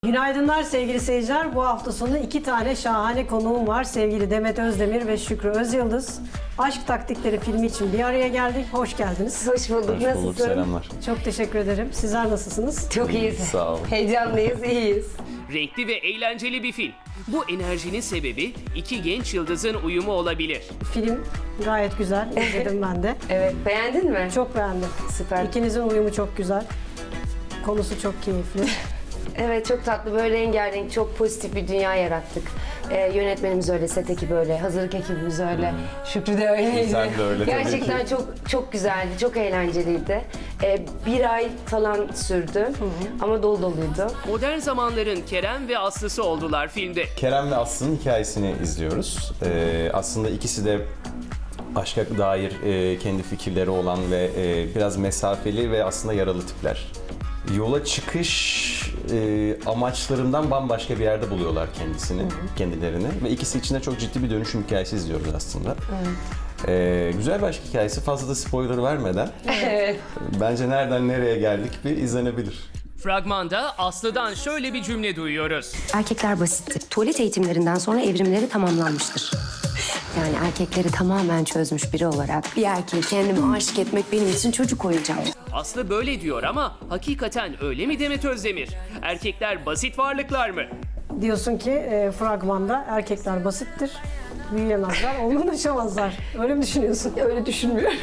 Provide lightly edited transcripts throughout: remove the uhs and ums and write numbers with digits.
Günaydınlar sevgili seyirciler. Bu hafta sonu iki tane şahane konuğum var. Sevgili Demet Özdemir ve Şükrü Özyıldız. Aşk Taktikleri filmi için bir araya geldik. Hoş geldiniz. Hoş bulduk. Hoş bulduk, Nasılsın? selamlar. Çok teşekkür ederim. Sizler nasılsınız? Çok iyiyiz. Sağ olun. Heyecanlıyız, iyiyiz. Renkli ve eğlenceli bir film. Bu enerjinin sebebi iki genç yıldızın uyumu olabilir. Film gayet güzel. İzledim ben de. Evet, beğendin mi? Çok beğendim. Süper. İkinizin uyumu çok güzel. Konusu çok keyifli. Evet, çok tatlı, böyle rengarenk, çok pozitif bir dünya yarattık. Yönetmenimiz öyle, set ekibi öyle, hazırlık ekibimiz öyle, Şükrü de öyleydi. Sen de öyle tabii Gerçekten ki. çok güzeldi, çok eğlenceliydi. Bir ay falan sürdü ama dolu doluydu. Modern zamanların Kerem ve Aslı'sı oldular filmde. Kerem ve Aslı'nın hikayesini izliyoruz. Aslında ikisi de aşka dair kendi fikirleri olan ve biraz mesafeli ve aslında yaralı tipler. Yola çıkış amaçlarından bambaşka bir yerde buluyorlar kendilerini ve ikisi için de çok ciddi bir dönüşüm hikayesi izliyoruz aslında. Güzel bir aşk hikayesi, fazla da spoiler vermeden bence nereden nereye geldik bir izlenebilir. Fragmanda Aslı'dan şöyle bir cümle duyuyoruz. Erkekler basittir. Tuvalet eğitimlerinden sonra evrimleri tamamlanmıştır. Yani erkekleri tamamen çözmüş biri olarak bir erkeği kendime aşık etmek benim için çocuk oyuncağı. Aslı böyle diyor ama hakikaten öyle mi Demet Özdemir? Erkekler basit varlıklar mı? Diyorsun ki fragmanda erkekler basittir. Büyüyemezler, olgunlaşamazlar. Öyle mi düşünüyorsun? Öyle düşünmüyorum.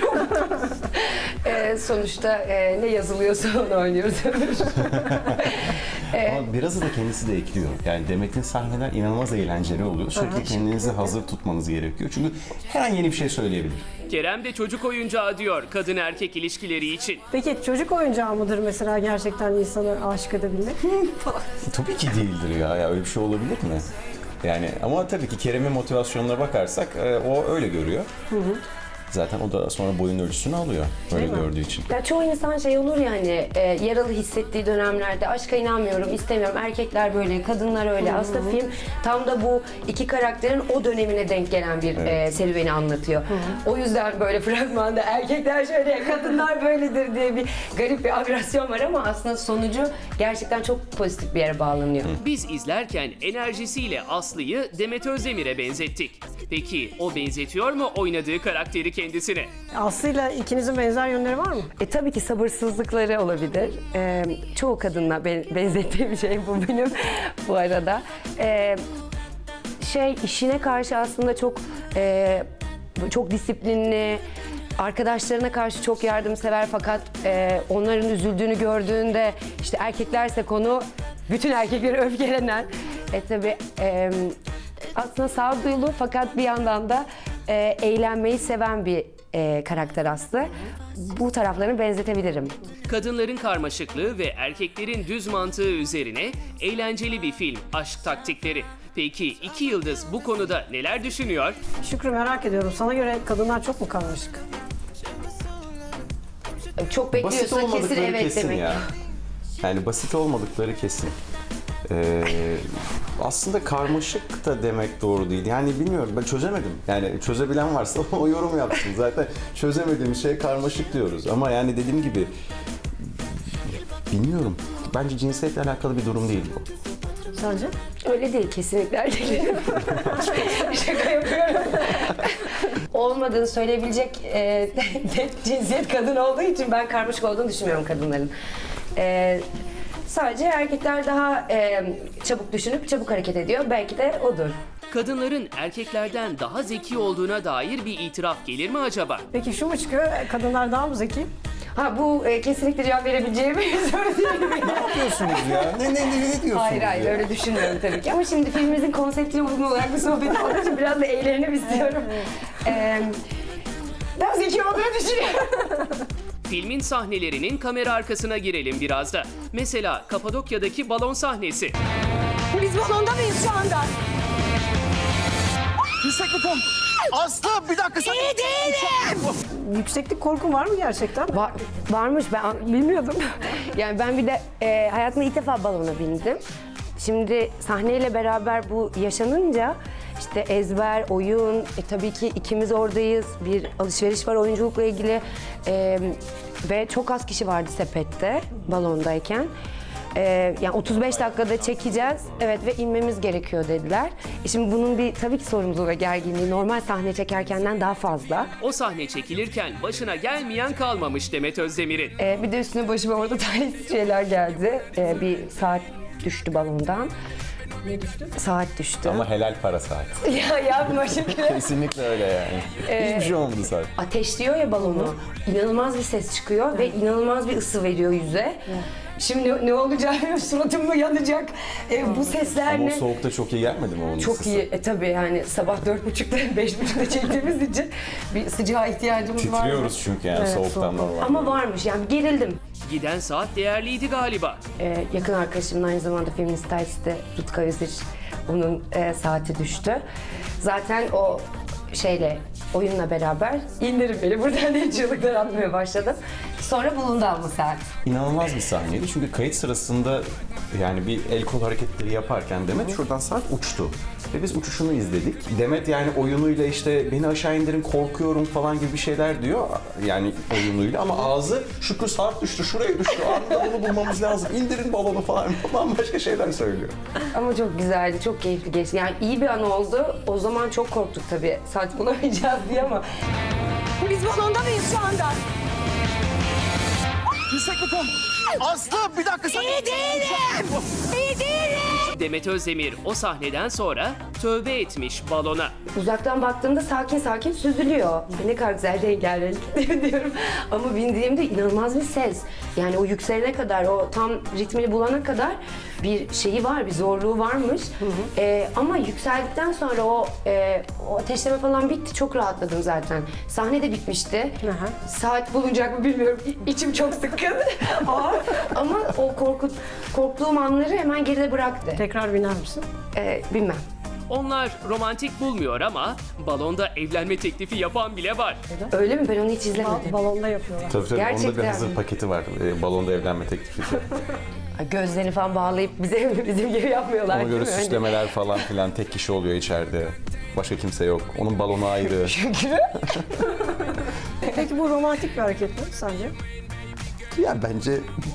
Sonuçta ne yazılıyorsa onu oynuyoruz. Ama biraz da kendisi de ekliyor. Yani Demet'in sahneler inanılmaz eğlenceli oluyor. Sürekli kendinizi hazır tutmanız gerekiyor. Çünkü her an yeni bir şey söyleyebilir. Kerem de çocuk oyuncağı diyor kadın erkek ilişkileri için. Peki çocuk oyuncağı mıdır mesela gerçekten insanı aşık edebilmek? Tabii ki değildir ya öyle bir şey olabilir mi? Yani ama tabii ki Kerem'in motivasyonuna bakarsak o öyle görüyor. Zaten o da sonra boyun ölçüsünü alıyor öyle gördüğü için. Ya çoğu insan şey olur ya hani yaralı hissettiği dönemlerde aşka inanmıyorum, istemiyorum. Erkekler böyle, kadınlar öyle. Aslında film tam da bu iki karakterin o dönemine denk gelen bir serüveni anlatıyor. O yüzden böyle fragmanda erkekler şöyle, kadınlar böyledir diye bir garip bir agresyon var ama aslında sonucu gerçekten çok pozitif bir yere bağlanıyor. Biz izlerken enerjisiyle Aslı'yı Demet Özdemir'e benzettik. Peki o benzetiyor mu oynadığı karakteri kendisine? Aslı'yla ikinizin benzer yönleri var mı? Tabii ki sabırsızlıkları olabilir. Çoğu kadınla benzettiğim şey bu benim bu arada. İşine karşı aslında çok disiplinli, arkadaşlarına karşı çok yardımsever fakat onların üzüldüğünü gördüğünde işte erkeklerse konu bütün erkekleri öfkelenen. Tabii aslında sağduyulu fakat bir yandan da eğlenmeyi seven bir karakter Aslı. Bu taraflarını benzetebilirim. Kadınların karmaşıklığı ve erkeklerin düz mantığı üzerine eğlenceli bir film Aşk Taktikleri. Peki iki yıldız bu konuda neler düşünüyor? Şükrü merak ediyorum. Sana göre kadınlar çok mu karmaşık? Çok Basit bekliyorsa kesin olmadıkları evet kesin demek. ya. Yani basit olmadıkları kesin. Aslında karmaşık da demek doğru değil. Yani bilmiyorum, ben çözemedim. Yani çözebilen varsa o yorum yapsın. Zaten çözemediğim şey karmaşık diyoruz. Ama yani dediğim gibi bilmiyorum. Bence cinsiyetle alakalı bir durum değil bu. Sence? Öyle değil kesinlikle erkeklerin. Şaka yapıyorum. Olmadığını söyleyebilecek cinsiyet kadın olduğu için ben karmaşık olduğunu düşünmüyorum kadınların. Sadece erkekler daha çabuk düşünüp çabuk hareket ediyor. Belki de odur. Kadınların erkeklerden daha zeki olduğuna dair bir itiraf gelir mi acaba? Peki şu mu çıkıyor? Kadınlar daha mı zeki? Bu kesinlikle cevap verebileceğim bir soru değil. Ne yapıyorsunuz ya? Ne diyorsunuz Hayır ya? öyle düşünmüyorum tabii ki. Ama şimdi filmimizin konseptine uygun olarak bir sohbet olduğu için biraz da eğlenelim istiyorum. Daha zeki olduğunu düşünüyorum. Filmin sahnelerinin kamera arkasına girelim biraz da. Mesela Kapadokya'daki balon sahnesi. Biz balonda mıyız şu anda? Yükseklik. Aslı bir dakika sen. İyi değilim. Yükseklik korkun var mı gerçekten? Varmış, ben bilmiyordum. Yani ben bir de hayatımda ilk defa balona bindim. Şimdi sahneyle beraber bu yaşanınca işte ezber, oyun, tabii ki ikimiz oradayız. Bir alışveriş var oyunculukla ilgili ve çok az kişi vardı sepette balondayken. Yani 35 dakikada çekeceğiz. Evet ve inmemiz gerekiyor dediler. Şimdi bunun bir tabii ki sorumluluğu ve gerginliği normal sahne çekerkenden daha fazla. O sahne çekilirken başına gelmeyen kalmamış Demet Özdemir'in. Bir de üstüne başıma orada talihsiz şeyler geldi. Bir saat düştü balondan. Ne düştü? Saat düştü. Ama helal para saat. Ya yapma Şükrü. Kesinlikle öyle yani. Hiçbir şey olmadı saat. Ateşliyor ya balonu. İnanılmaz bir ses çıkıyor ve inanılmaz bir ısı veriyor yüze. Şimdi ne olacak? Suratım mı yanacak? Bu sesler Ama o ne? soğukta çok iyi gelmedi mi onun Çok ısısı? iyi. Tabii yani sabah 4.30'da 5.30'da çektiğimiz için bir sıcağa ihtiyacımız var. Titriyoruz çünkü yani soğuktan normal. Ama varmış yani gerildim. Giden saat değerliydi galiba. Yakın arkadaşımın aynı zamanda filmin stylisti Rutka Özir. Onun saati düştü. Zaten o oyunla beraber indirim beni buradan diye çığlıklar atmaya başladım. Sonra bulundu ama saat. İnanılmaz bir sahneydi çünkü kayıt sırasında yani bir el kol hareketleri yaparken Demet şuradan saat uçtu. Ve biz uçuşunu izledik. Demet yani oyunuyla işte beni aşağı indirin korkuyorum falan gibi bir şeyler diyor. Yani oyunuyla ama ağzı Şükrü saat düştü şuraya düştü anında bunu bulmamız lazım. İndirin balonu falan başka şeyler söylüyor. Ama çok güzeldi, çok keyifli geçti. Yani iyi bir an oldu. O zaman çok korktuk tabii. Saat bulamayacağız diye ama. Biz balonda mıyız şu anda? Yükseklik 10. Aslı bir dakika sen. İyi değilim. İyi değilim. Demet Özdemir o sahneden sonra tövbe etmiş balona. Uzaktan baktığımda sakin sakin süzülüyor. Ne kadar güzel rengarenk diyorum. Ama bindiğimde inanılmaz bir ses. Yani o yükselene kadar, o tam ritmini bulana kadar bir şeyi var, bir zorluğu varmış. Ama yükseldikten sonra o ateşleme falan bitti. Çok rahatladım zaten. Sahne de bitmişti. Saat bulunacak mı bilmiyorum. İçim çok sıkkın. Ama o korktuğum anları hemen geride bıraktı. Tekrar biner misin? Bilmem. Onlar romantik bulmuyor ama balonda evlenme teklifi yapan bile var. Öyle mi? Ben onu hiç izlemedim. Balonda yapıyorlar. Tabii onda bir Gerçekten hazır mi? paketi var. Balonda evlenme teklifi. Gözlerini falan bağlayıp bizim gibi yapmıyorlar Ona göre değil mi? Hani süslemeler falan filan tek kişi oluyor içeride. Başka kimse yok. Onun balonu ayrı. Peki bu romantik bir hareket mi sence? Ya bence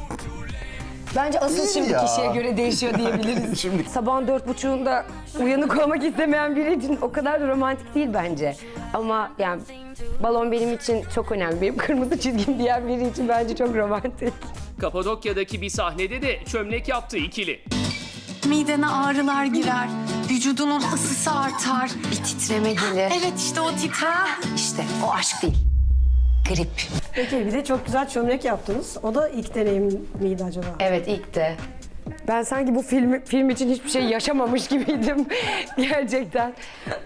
Bence asıl Değil şimdi ya. kişiye göre değişiyor diyebiliriz. Şimdi- Sabahın 4.30'unda uyanık olmak istemeyen biri için o kadar da romantik değil bence. Ama yani balon benim için çok önemli. Benim kırmızı çizgim diyen biri için bence çok romantik. Kapadokya'daki bir sahnede de çömlek yaptı ikili. Midene ağrılar girer, vücudunun ısısı artar. Bir titreme gelir. Evet işte o titreme. İşte o aşk değil. Grip. Peki bir de çok güzel çömlek yaptınız. O da ilk deneyim miydi acaba? Evet ilk de. Ben sanki bu film için hiçbir şey yaşamamış gibiydim gerçekten.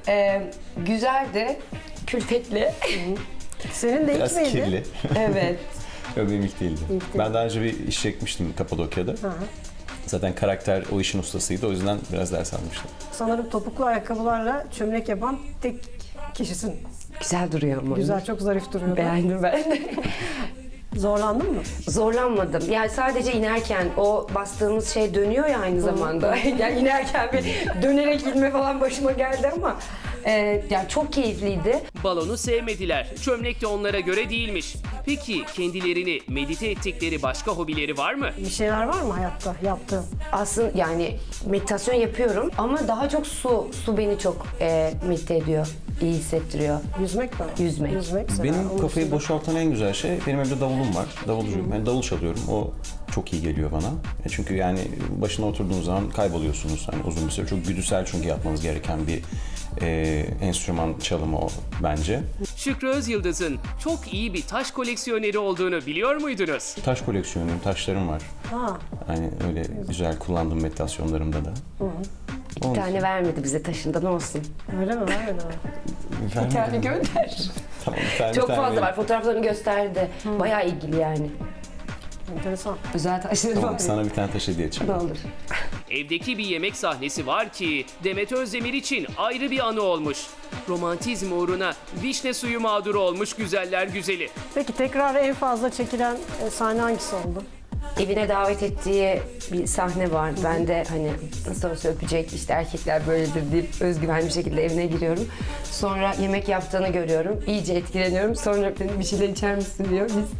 Güzeldi, külfetli. Senin de ilk biraz miydi? kirli. Evet. Yok benim ilk değildi. Ben daha önce bir iş çekmiştim Kapadokya'da. Zaten karakter o işin ustasıydı. O yüzden biraz ders almıştım. Sanırım topuklu ayakkabılarla çömlek yapan tek kişisin. Güzel duruyor ama. Güzel, çok zarif duruyor. Beğendim ben. Zorlandın mı? Zorlanmadım. Yani sadece inerken o bastığımız şey dönüyor ya aynı zamanda. Yani inerken bir dönerek inme falan başıma geldi ama yani çok keyifliydi. Balonu sevmediler. Çömlek de onlara göre değilmiş. Peki kendilerini medite ettikleri başka hobileri var mı? Bir şeyler var mı hayatta yaptığın? Aslında yani meditasyon yapıyorum ama daha çok su. Su beni çok medite ediyor, iyi hissettiriyor. Yüzmek mi? Yüzmek. Yüzmek mesela. Benim Onun kafayı dışında- boşaltan en güzel şey, benim evde davulum var. Davulcuyum. Ben davul çalıyorum. O çok iyi geliyor bana. Çünkü yani başına oturduğunuz zaman kayboluyorsunuz. Hani uzun bir süre. Çok güdüsel çünkü yapmanız gereken bir enstrüman çalımı o bence. Şükrü Özyıldız'ın çok iyi bir taş koleksiyoneri olduğunu biliyor muydunuz? Taş koleksiyonuyum, taşlarım var. Ha, Hani öyle güzel kullandığım meditasyonlarımda da. Bir tane vermedi bize taşından olsun. öyle mi? Var öyle mi? Bir tane gönder. Tamam, bir tane, Çok bir tane fazla vereyim. var. Fotoğraflarını gösterdi. Bayağı ilgili yani. Enteresan. Özel taşları Tamam, var. sana bir tane taş hediye edeceğim. Ne olur. Evdeki bir yemek sahnesi var ki Demet Özdemir için ayrı bir anı olmuş. Romantizm uğruna vişne suyu mağduru olmuş güzeller güzeli. Peki tekrar en fazla çekilen sahne hangisi oldu? Evine davet ettiği bir sahne var. Ben de hani nasıl olsa öpecek, işte erkekler böyledir deyip özgüvenli bir şekilde evine giriyorum. Sonra yemek yaptığını görüyorum. İyice etkileniyorum. Sonra dedim bir şeyler içer misin diyor. Biz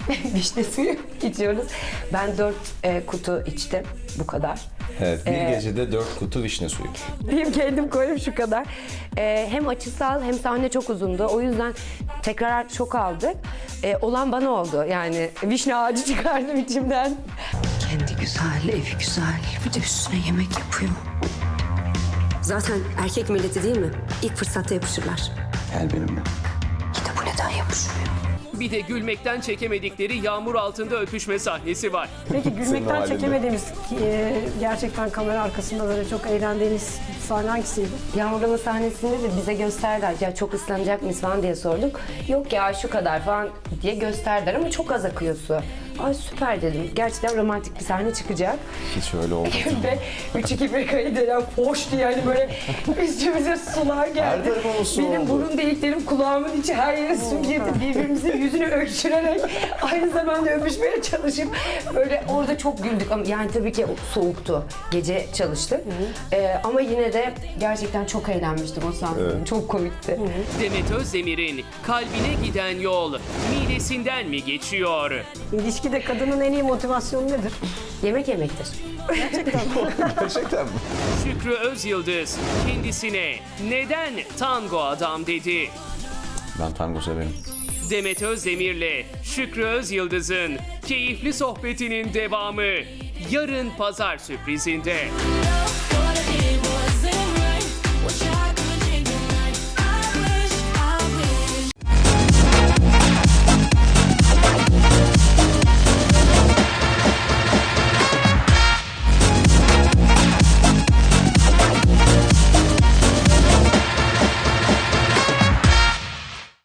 vişne suyu içiyoruz. Ben 4 kutu içtim. Bu kadar. Evet, bir gecede 4 kutu vişne suyu. Benim kendim koydum şu kadar. Hem açısal hem sahne çok uzundu. O yüzden tekrar çok aldık. Olan bana oldu. Yani vişne ağacı çıkardım içimden. Kendi güzel, evi güzel. Bir de üstüne yemek yapıyor. Zaten erkek milleti değil mi? İlk fırsatta yapışırlar. Gel benimle. Bir de bu neden yapışmıyor? Bir de gülmekten çekemedikleri yağmur altında öpüşme sahnesi var. Peki gülmekten halinde. çekemediğimiz, gerçekten kamera arkasında böyle çok eğlendiğiniz sahne hangisiydi? Yağmurlama sahnesinde de bize gösterdiler. Ya çok ıslanacak mıyız falan diye sorduk. Yok ya şu kadar falan diye gösterdiler ama çok az akıyor su. Ay süper dedim. Gerçekten romantik bir sahne çıkacak. Hiç öyle olmadı. Ve 3-2-1 kayıt denen hoş diye yani böyle üstümüze sular geldi. Her tarafımız su Benim oldu. burun deliklerim, kulağımın içi her yere su girdi. Birbirimizin yüzünü öksürerek aynı zamanda öpüşmeye çalışıp böyle orada çok güldük. Ama yani tabii ki soğuktu. Gece çalıştık. Ama yine de gerçekten çok eğlenmiştim o sahne. Çok komikti. Demet Özdemir'in kalbine giden yol midesinden mi geçiyor? İlişkide kadının en iyi motivasyonu nedir? Yemek yemektir. Gerçekten mi? Şükrü Özyıldız kendisine neden tango adam dedi? Ben tango severim. Demet Özdemir'le Şükrü Özyıldız'ın keyifli sohbetinin devamı yarın pazar sürprizinde.